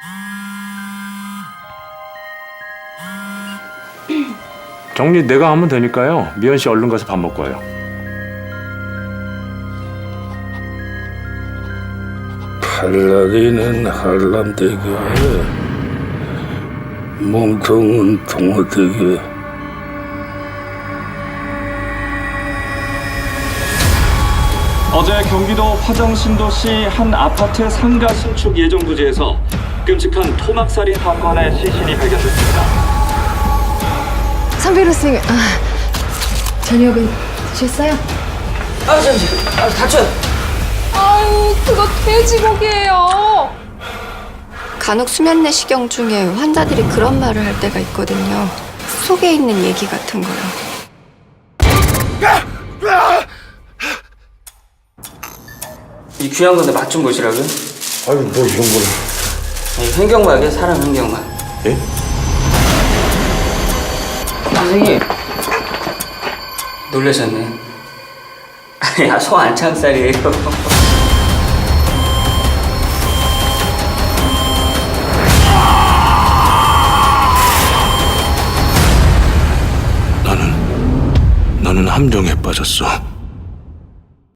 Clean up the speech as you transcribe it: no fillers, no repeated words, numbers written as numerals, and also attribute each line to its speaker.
Speaker 1: 정리 내가 하면 되니까요. 미연 씨 얼른 가서 밥 먹고 와요.
Speaker 2: 팔다리는 한람대교, 몸통은 동호대교.
Speaker 3: 어제 경기도 화정신도시 한 아파트 상가 신축 예정 부지에서 끔찍한 토막살인 사건의 시신이 발견됐습니다.
Speaker 4: 상 변호사님, 저녁은 드셨어요?
Speaker 5: 다쳐요.
Speaker 4: 아유, 그거 돼지고기예요.
Speaker 6: 간혹 수면 내시경 중에 환자들이 그런 말을 할 때가 있거든요. 속에 있는 얘기 같은 거요.
Speaker 5: 이 귀한 건데 맛 좀 보시라고요?
Speaker 2: 아니, 뭐 이런 거는.
Speaker 5: 아니, 횡격막이에요, 사람 횡격막.
Speaker 1: 예?
Speaker 5: 선생님. 놀라셨네. 아니, 소 안창살이에요.
Speaker 2: 나는 함정에 빠졌어.